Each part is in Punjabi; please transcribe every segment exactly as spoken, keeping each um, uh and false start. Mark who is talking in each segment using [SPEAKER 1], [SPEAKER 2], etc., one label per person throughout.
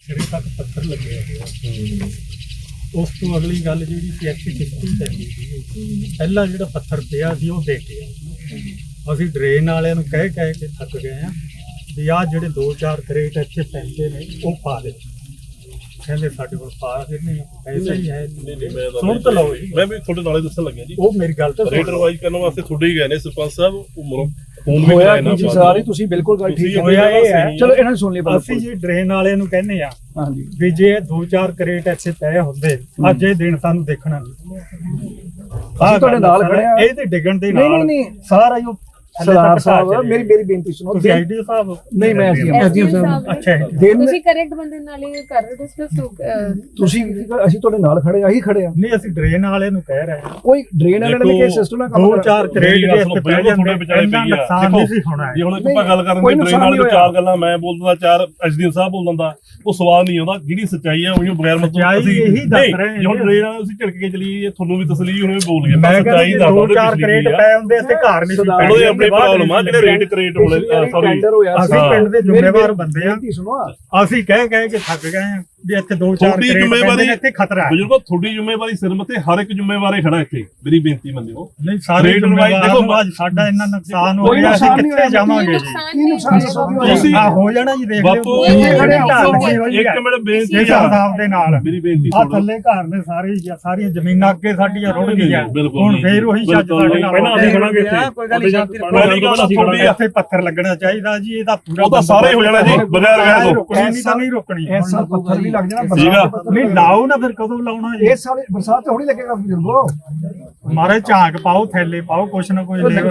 [SPEAKER 1] ਸਿਰੇ ਤੱਕ ਪੱਥਰ ਲੱਗੇ ਹੋਏ। ਉਸ ਤੋਂ ਅਗਲੀ ਗੱਲ ਜਿਹੜੀ ਸੀ ਐਕਚੁਅਲੀ ਕਿਸ਼ਤੀ ਚੱਲੀ ਸੀ, ਪਹਿਲਾਂ ਜਿਹੜਾ ਪੱਥਰ ਪਿਆ ਸੀ ਉਹ ਦੇ ਕੇ ਅਸੀਂ ਡਰੇਨ ਵਾਲਿਆਂ ਨੂੰ ਕਹਿ ਕਹਿ ਕੇ ਥੱਕ ਗਏ ਹਾਂ ਵੀ ਆਹ ਜਿਹੜੇ ਦੋ ਚਾਰ ਕਰੇਟ ਇੱਥੇ ਪੈਂਦੇ ਨੇ ਉਹ ਪਾ ਦੇ। ਕਹਿੰਦੇ ਸਾਡੇ ਕੋਲ ਪਾ ਕੇ ਨਹੀਂ ਪੈਸਾ ਹੀ ਹੈ। ਸੁਣ ਤਾਂ ਲਓ ਜੀ,
[SPEAKER 2] ਮੈਂ ਵੀ ਤੁਹਾਡੇ ਨਾਲੇ ਦੱਸਣ ਲੱਗਿਆ ਜੀ।
[SPEAKER 1] ਉਹ ਮੇਰੀ ਗੱਲ ਤਾਂ
[SPEAKER 2] ਰੇਟ ਰਿਵਾਈਜ਼ ਕਰਨ ਵਾਸਤੇ ਤੁਹਾਡੇ ਹੀ ਗਏ ਨੇ ਸਰਪੰਚ ਸਾਹਿਬ। ਉਹ ਫੋਨ ਵੀ
[SPEAKER 3] ਹੋਇਆ
[SPEAKER 2] ਕਰਾਇਆ ਨਾ
[SPEAKER 3] ਜੀ ਸਾਰੇ, ਤੁਸੀਂ ਬਿਲਕੁਲ ਗੱਲ ਠੀਕ
[SPEAKER 1] ਹੋਇਆ ਇਹ ਹੈ।
[SPEAKER 3] ਚਲੋ ਇਹਨਾਂ ਨੂੰ ਸੁਣ ਲਈ
[SPEAKER 1] ਅਸੀਂ ਜੀ ਡਰੇਨ ਵਾਲਿਆਂ ਨੂੰ ਕਹਿੰਦੇ ਆ
[SPEAKER 3] ਹਾਂਜੀ
[SPEAKER 1] ਵੀ ਜੇ ਦੋ ਚਾਰ ਕਰੇਟ ਇੱਥੇ ਪਏ ਹੁੰਦੇ ਅੱਜ ਇਹ ਦਿਨ ਸਾਨੂੰ ਦੇਖਣਾ ਨਹੀਂ।
[SPEAKER 3] ਅਸੀਂ ਤੁਹਾਡੇ ਨਾਲ ਖੜੇ ਆ।
[SPEAKER 1] ਇਹ ਤੇ ਡਿੱਗਣ ਦੇ
[SPEAKER 3] ਨਹੀਂ
[SPEAKER 1] ਨਾਲ
[SPEAKER 3] ਨਹੀਂ
[SPEAKER 1] ਸਾਰਾ ਹੀ
[SPEAKER 3] ਸਰਦਾਰ ਸਾਹਿਬ ਮੇਰੀ ਮੇਰੀ ਬੇਨਤੀ ਸੁਣੋ।
[SPEAKER 1] ਤੁਸੀਂ ਆਈਡੀ ਸਾਹਿਬ
[SPEAKER 3] ਨਹੀਂ ਮੈਂ ਅਸੀਂ
[SPEAKER 4] ਐਸਡੀਐਮ ਸਾਹਿਬ
[SPEAKER 1] ਅੱਛਾ
[SPEAKER 3] ਦਿਨ
[SPEAKER 4] ਤੁਸੀਂ ਕਰੈਕਟ ਬੰਦੇ ਨਾਲ ਹੀ ਕਰ ਰਹੇ ਹੋ ਡਿਸਕਸ।
[SPEAKER 3] ਤੁਸੀਂ ਅਸੀਂ ਤੁਹਾਡੇ ਨਾਲ ਖੜੇ ਆ, ਹੀ ਖੜੇ ਆ।
[SPEAKER 1] ਨਹੀਂ ਅਸੀਂ ਡਰੇਨ ਵਾਲੇ ਨੂੰ ਕਹਿ ਰਹੇ ਹਾਂ
[SPEAKER 3] ਕੋਈ ਡਰੇਨ ਵਾਲੇ ਨੇ ਕਿ ਸਿਸਟਮ ਨਾਲ ਕੰਮ
[SPEAKER 1] ਦੋ ਚਾਰ ਕਰੇਟ
[SPEAKER 2] ਦੇ ਇੱਥੇ ਪੈ ਜਾਂਦੇ ਵਿਚਾਰੇ ਪਈ ਆ।
[SPEAKER 1] ਨੁਕਸਾਨ ਨਹੀਂ ਸੀ ਹੋਣਾ।
[SPEAKER 2] ਜੇ ਹੁਣ ਆਪਾਂ ਗੱਲ ਕਰਨ ਦੀ ਟ੍ਰੇਨ ਵਾਲੇ ਤੋਂ ਚਾਰ ਗੱਲਾਂ ਮੈਂ ਬੋਲ ਦਿੰਦਾ, ਚਾਰ ਐਸਡੀਐਮ ਸਾਹਿਬ ਬੋਲ ਦਿੰਦਾ, ਉਹ ਸਵਾਲ ਨਹੀਂ ਆਉਂਦਾ। ਜਿਹੜੀ ਸੱਚਾਈ ਆ ਉਹੀ ਬਗੈਰ ਮਤਲਬ ਅਸੀਂ
[SPEAKER 1] ਇਹੀ ਦੱਸ ਰਹੇ ਹਾਂ।
[SPEAKER 2] ਜੇ ਹੁਣ ਟ੍ਰੇਨ ਵਾਲੇ ਅਸੀਂ ਝਟਕ ਕੇ ਚਲੀਏ, ਤੁਹਾਨੂੰ ਵੀ ਤਸਲੀ ਉਹਨੇ ਵੀ ਬੋਲ ਗਿਆ।
[SPEAKER 1] ਮੈਂ
[SPEAKER 2] ਸੱਚਾਈ ਦੱਸ
[SPEAKER 1] ਦੋ ਚਾਰ ਕਰੇਟ ਪਏ ਹੁੰਦੇ ਇੱਥੇ ਘਰ ਨਹੀਂ ਸੀ ਪੈਂਦੇ।
[SPEAKER 2] ਉਹਦੇ ਆਪਣੀ ਪ੍ਰੋਬਲਮ ਆ ਜਿਹੜੇ ਰੇਟ ਕਰੇਟ ਹੋਲੇ ਸੌਰੀ
[SPEAKER 1] ਅਸੀਂ ਪਿੰਡ ਦੇ ਜ਼ਿੰਮੇਵਾਰ ਬੰਦੇ ਆ।
[SPEAKER 3] ਸੁਣੋ
[SPEAKER 1] ਅਸੀਂ ਕਹਿ ਕਹਿ ਕੇ ਥੱਕ ਗਏ ਆ ਵੀ ਇੱਥੇ ਦੋ ਚਾਰ
[SPEAKER 2] ਤੁਹਾਡੀ
[SPEAKER 1] ਕਰੇਟ
[SPEAKER 2] ਜ਼ਿੰਮੇਵਾਰੀ
[SPEAKER 1] ਇੱਥੇ ਖਤਰਾ ਹੈ।
[SPEAKER 2] ਬਜ਼ੁਰਗੋ ਤੁਹਾਡੀ ਜ਼ਿੰਮੇਵਾਰੀ ਸਿਰ ਮੱਥੇ ਹਰ ਇੱਕ ਜ਼ਿੰਮੇਵਾਰੀ ਖੜਾ ਇੱਥੇ। ਮੇਰੀ ਬੇਨਤੀ ਮੰਨਿਓ।
[SPEAKER 1] ਨਹੀਂ ਸਾਰੇ ਦੇਖੋ ਅੱਜ ਸਾਡਾ ਇੰਨਾ ਨੁਕਸਾਨ ਹੋ ਗਿਆ, ਅਸੀਂ ਕਿੱਥੇ ਜਾਵਾਂਗੇ ਜੀ?
[SPEAKER 3] ਤੁਸੀਂ
[SPEAKER 1] ਆ ਹੋ ਜਾਣਾ ਜੀ, ਦੇਖ
[SPEAKER 2] ਬਾਪੂ
[SPEAKER 1] ਲਿਓ
[SPEAKER 2] ਇੱਕ ਮਿੰਟ ਬੇਨਤੀ ਆ
[SPEAKER 1] ਸਾਹਿਬ ਦੇ ਨਾਲ।
[SPEAKER 2] ਮੇਰੀ ਬੇਨਤੀ
[SPEAKER 1] ਆ ਥੱਲੇ ਘਰ ਨੇ ਸਾਰੇ ਸਾਰੀਆਂ ਜ਼ਮੀਨਾਂ ਅੱਗੇ ਸਾਡੀਆਂ ਰੁੜ ਗਈਆਂ। ਹੁਣ ਫੇਰ ਉਹੀ ਛੱਜ ਸਾਡੇ ਨਾਲ
[SPEAKER 2] ਪਹਿਲਾਂ ਅਸੀਂ ਖੜਾਂਗੇ ਇੱਥੇ।
[SPEAKER 4] ਕੋਈ ਗੱਲ ਨਹੀਂ, ਸ਼ਾਂਤੀ ਰੱਖੋ।
[SPEAKER 2] ਪਹਿਲੀ ਗੱਲ ਤੁਹਾਡੀ
[SPEAKER 1] ਇੱਥੇ ਪੱਥਰ ਲੱਗਣਾ ਚਾਹੀਦਾ ਜੀ। ਇਹਦਾ ਪੂਰਾ
[SPEAKER 2] ਉਹ ਤਾਂ ਸਾਰੇ ਹੋ ਜਾਣਾ ਜੀ ਬਗੈਰ ਗਏ ਤੋਂ।
[SPEAKER 1] ਨਹੀਂ ਤਾਂ ਨਹੀਂ ਰੋਕਣੀ।
[SPEAKER 3] ਇਸ ਸਾਲ ਪੱਥਰ ਵੀ ਲੱਗ ਜਾਣਾ।
[SPEAKER 2] ਸੀਗਾ
[SPEAKER 1] ਨਹੀਂ ਲਾਓ ਨਾ, ਫਿਰ ਕਦੋਂ ਲਾਉਣਾ ਜੀ?
[SPEAKER 3] ਇਸ ਸਾਲ ਬਰਸਾਤ ਥੋੜੀ ਲੱਗੇਗਾ ਬਜ਼ੁਰਗੋ।
[SPEAKER 1] ਮਾਰੇ ਝਾਂਕ ਪਾਓ, ਥੈਲੇ ਪਾਓ, ਕੁਛ ਨਾ ਕੁਛ
[SPEAKER 2] ਕੱਲ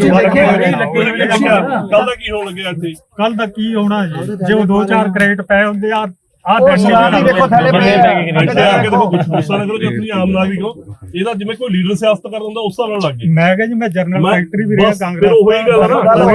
[SPEAKER 2] ਦਾ ਕੀ ਹੋਣ ਲੱਗਿਆ ਇੱਥੇ?
[SPEAKER 1] ਕੱਲ ਦਾ ਕੀ ਹੋਣਾ ਜੀ? ਜੇ ਉਹ ਦੋ ਚਾਰ ਕਰੇਟ ਪਏ ਹੁੰਦੇ ਆ ਆ
[SPEAKER 3] ਦੇਖੋ ਥੈਲੇ ਪਏ ਆ।
[SPEAKER 2] ਦੇਖੋ ਗੁੱਸਾ ਨਾ ਕਰੋ ਜੇ ਤੁਸੀਂ ਆਮ ਨਾਗਰਿਕ ਹੋ। ਇਹਦਾ ਜਿਵੇਂ ਕੋਈ ਲੀਡਰ ਸਿਆਸਤ ਕਰ ਦਿੰਦਾ ਉਸ ਹਿਸਾਬ ਨਾਲ ਲੱਗ ਗਈ।
[SPEAKER 1] ਮੈਂ ਕਿਹਾ ਜੀ ਮੈਂ ਜਨਰਲ ਸੈਕਟਰੀ ਵੀ ਰਿਹਾ ਕਾਂਗਰਸ।
[SPEAKER 2] ਫਿਰ ਉਹੀ ਗੱਲ ਨਾ
[SPEAKER 1] ਗੱਲ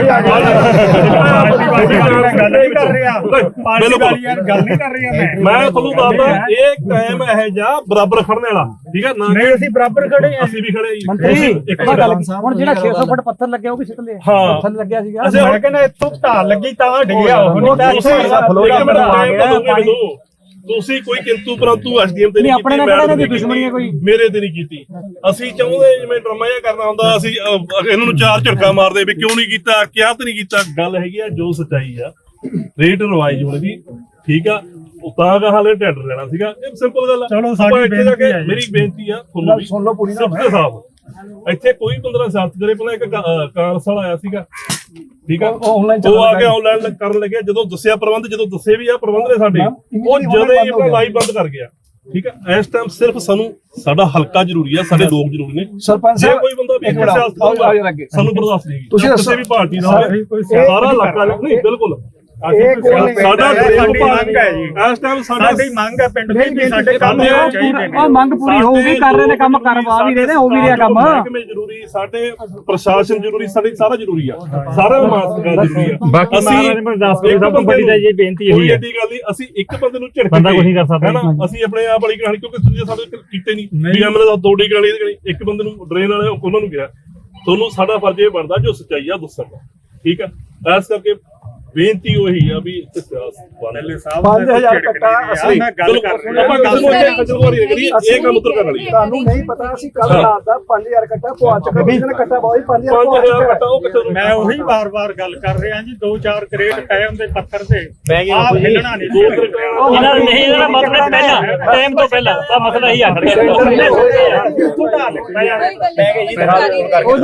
[SPEAKER 1] ਨਹੀਂ ਕਰ ਰਿਹਾ, ਪਾਰਟੀ ਵਾਲੀ ਯਾਰ ਗੱਲ ਨਹੀਂ ਕਰ ਰਿਹਾ। ਮੈਂ
[SPEAKER 2] ਮੈਂ ਤੁਹਾਨੂੰ ਦੱਸਦਾ ਇਹ ਕਾਇਮ ਇਹ ਜਾ ਬਰਾਬਰ ਖੜਨ ਵਾਲਾ ਠੀਕ ਹੈ ਨਾ।
[SPEAKER 1] ਨਹੀਂ ਅਸੀਂ ਬਰਾਬਰ ਖੜੇ ਆ।
[SPEAKER 2] ਅਸੀਂ ਵੀ ਖੜੇ ਜੀ
[SPEAKER 3] ਮੰਤਰੀ
[SPEAKER 2] ਇੱਕ
[SPEAKER 3] ਗੱਲ ਹੁਣ ਜਿਹੜਾ ਛੇ ਸੌ ਫੁੱਟ ਪੱਥਰ ਲੱਗਿਆ ਉਹ ਵੀ ਸਿੱਟ ਲਿਆ।
[SPEAKER 2] ਹਾਂ
[SPEAKER 3] ਪੱਥਰ ਲੱਗਿਆ ਸੀਗਾ।
[SPEAKER 1] ਮੈਂ ਕਹਿੰਦਾ ਇੱਥੋਂ ਢਾਲ ਲੱਗੀ ਤਾਂ ਡਿੱਗਿਆ। ਉਹ ਨਹੀਂ ਤਾਂ
[SPEAKER 2] ਇੱਥੇ ਤੁਸੀਂ ਕੋਈ ਕਿੰਤੂ ਪਰੰਤੂ ਐਸਡੀਐਮ ਤੇ ਨਹੀਂ
[SPEAKER 3] ਆਪਣੇ ਨਾਲ ਕਿਹੜਾ ਇਹਦੀ ਦੁਸ਼ਮਣੀ ਹੈ ਕੋਈ?
[SPEAKER 2] ਮੇਰੇ ਤੇ ਨਹੀਂ ਕੀਤੀ। ਅਸੀਂ ਚਾਹੁੰਦੇ ਜਿਵੇਂ ਡਰਾਮਾ ਜਿਹਾ ਕਰਨਾ ਹੁੰਦਾ ਅਸੀਂ ਇਹਨਾਂ ਨੂੰ ਚਾਰ ਝਟਕਾ ਮਾਰਦੇ ਵੀ ਕਿਉਂ ਨਹੀਂ ਕੀਤਾ, ਕਿਹਾ ਤੇ ਨਹੀਂ ਕੀਤਾ। ਗੱਲ ਹੈਗੀ ਆ ਜੋ ਸੱਚਾਈ ਆ। ਰੇਟ ਰਿਵਾਈਜ਼ ਹੋਣੀ ਸੀ ਠੀਕ ਆ, ਉਹ ਤਾਂ ਕਹਾ ਹਾਲੇ ਟੈਂਡਰ ਲੈਣਾ ਸੀਗਾ। ਇਹ ਸਿੰਪਲ ਗੱਲ ਆ।
[SPEAKER 1] ਚਲੋ ਸਾਡੀ ਬੇਨਤੀ ਹੈ,
[SPEAKER 2] ਮੇਰੀ ਬੇਨਤੀ ਆ ਤੁਹਾਨੂੰ ਵੀ
[SPEAKER 3] ਸੁਣ ਲਓ ਪੂਰੀ ਨਾ।
[SPEAKER 2] ਸਿਫਤ ਸਾਹਿਬ ਇੱਥੇ ਕੋਈ ਪੰਦਰਾਂ ਸਿਆਸਤ ਕਰੇ। ਪਹਿਲਾਂ ਇੱਕ ਕਾਂਗਰਸ ਵਾਲਾ ਆਇਆ ਸੀਗਾ ਠੀਕ ਆ, ਉਹ ਆ ਕੇ ਆਨਲਾਈਨ ਕਰਨ ਲੱਗਿਆ। ਜਦੋਂ ਦੱਸਿਆ ਪ੍ਰਬੰਧ, ਜਦੋਂ ਦੱਸੇ ਵੀ ਆ ਪ੍ਰਬੰਧ ਨੇ ਸਾਡੇ, ਉਹ ਜਦੋਂ ਹੀ ਆਪਣਾ ਲਾਈਵ ਬੰਦ ਕਰ ਗਿਆ ਠੀਕ ਆ। ਇਸ ਟਾਈਮ ਸਿਰਫ ਸਾਨੂੰ ਸਾਡਾ ਹਲਕਾ ਜ਼ਰੂਰੀ ਆ, ਸਾਡੇ ਲੋਕ ਜ਼ਰੂਰੀ ਨੇ।
[SPEAKER 3] ਸਰਪੰਚ
[SPEAKER 2] ਜੇ ਕੋਈ ਬੰਦਾ ਵੀ ਸਿਆਸਤ ਕਰੂਗਾ ਸਾਨੂੰ ਬਰਦਾਸ਼ਤ ਨਹੀਂ।
[SPEAKER 3] ਤੁਸੀਂ
[SPEAKER 2] ਕਿਸੇ ਵੀ ਪਾਰਟੀ ਦਾ ਸਾਰਾ ਇਲਾਕਾ ਨਹੀਂ ਬਿਲਕੁਲ ਸਾਡਾ
[SPEAKER 1] ਮੰਗ ਹੈ ਜੀ।
[SPEAKER 2] ਇਸ ਟਾਈਮ
[SPEAKER 1] ਸਾਡੀ ਮੰਗ ਹੈ ਪਿੰਡ ਦੀ ਵੀ ਸਾਡੇ ਕੰਮ ਚਾਹੀਦੇ ਨੇ।
[SPEAKER 3] ਉਹ ਮੰਗ ਪੂਰੀ ਹੋਊਗੀ, ਕਰ ਰਹੇ ਨੇ ਕੰਮ, ਕਰਵਾ ਵੀ ਰਹੇ ਨੇ, ਹੋ ਵੀ ਰਿਹਾ ਕੰਮ।
[SPEAKER 2] ਮਹਿਕਮੇ ਜ਼ਰੂਰੀ, ਸਾਡੇ ਪ੍ਰਸ਼ਾਸਨ ਜ਼ਰੂਰੀ, ਸਾਡੇ ਸਾਰਾ ਜ਼ਰੂਰੀ ਆ। ਸਾਰਾ ਮਾਸਕਾ ਜ਼ਰੂਰੀ ਆ। ਬਾਕੀ ਸਭ ਤੋਂ ਵੱਡੀ ਇਹ ਬੇਨਤੀ ਇਹੀ ਹੈ ਕਿ ਅਸੀਂ ਇੱਕ ਬੰਦੇ ਨੂੰ ਝਿੜਕ ਬੰਦਾ ਕੁਝ ਨਹੀਂ ਕਰ ਸਕਦਾ ਨਾ। ਅਸੀਂ ਆਪਣੇ ਆਪ ਵਾਲੀ ਕਹਾਣੀ ਕਿਉਂਕਿ ਤੁਸੀਂ ਸਾਡੇ ਕੀਤੇ ਨਹੀਂ ਵੀ ਐਮਐਲਏ ਦਾ ਦੋੜੀ ਕਹਾਣੀ ਇੱਕ ਬੰਦੇ ਨੂੰ ਡਰੇਨ ਵਾਲੇ ਉਹਨਾਂ ਨੂੰ ਕਿਹਾ। ਤੁਹਾਨੂੰ ਸਾਡਾ ਫਰਜ਼ ਇਹ ਬਣਦਾ ਜੋ ਸੱਚਾਈ ਆ ਦੱਸਣ ਦਾ ਠੀਕ ਆ। ਇਸ ਕਰਕੇ ਬੇਨਤੀ ਉਹੀ ਆ ਵੀ
[SPEAKER 3] ਪੰਜ ਹਜ਼ਾਰ ਕੱਟਾ ਅਸੀਂ
[SPEAKER 1] ਮੈਂ ਗੱਲ ਕਰ ਰਿਹਾ।
[SPEAKER 2] ਆਪਾਂ ਕਿਸੇ ਨੂੰ ਇੱਥੇ ਖਜਲਵਾਰੀ ਕਰੀਏ, ਇਹ ਕੰਮ ਉਤਰ ਕਰਨ ਵਾਲੀ ਆ।
[SPEAKER 3] ਤੁਹਾਨੂੰ ਨਹੀਂ ਪਤਾ ਅਸੀਂ ਕੱਲ ਰਾਤ ਦਾ ਪੰਜ ਹਜ਼ਾਰ ਕੱਟਾ ਪਵਾ ਚੁੱਕੇ। ਕਿਸੇ ਨੇ ਕੱਟਾ ਪਾਈ ਪੰਜ ਹਜ਼ਾਰ
[SPEAKER 2] ਪੰਜ ਹਜ਼ਾਰ ਕੱਟਾ ਉਹ ਕਿੱਥੇ
[SPEAKER 1] ਮੈਂ ਉਹੀ ਵਾਰ-ਵਾਰ ਗੱਲ ਕਰ ਰਿਹਾ ਜੀ। ਦੋ ਚਾਰ ਕਰੇਟ ਪਏ ਹੁੰਦੇ ਪੱਥਰ ਤੇ ਆਪ ਹਿੱਲਣਾ ਨਹੀਂ।
[SPEAKER 2] ਦੋ ਕਰੇਟ
[SPEAKER 5] ਇਹਨਾਂ ਨੂੰ ਨਹੀਂ ਇਹਦਾ ਮਤਲਬ ਪਹਿਲਾਂ ਟਾਈਮ ਤੋਂ ਪਹਿਲਾਂ ਤਾਂ ਮਸਲਾ ਹੀ ਆ ਖੜ ਗਿਆ।
[SPEAKER 4] ਕੋਈ ਗੱਲ ਨਹੀਂ, ਸਰਕਾਰੀ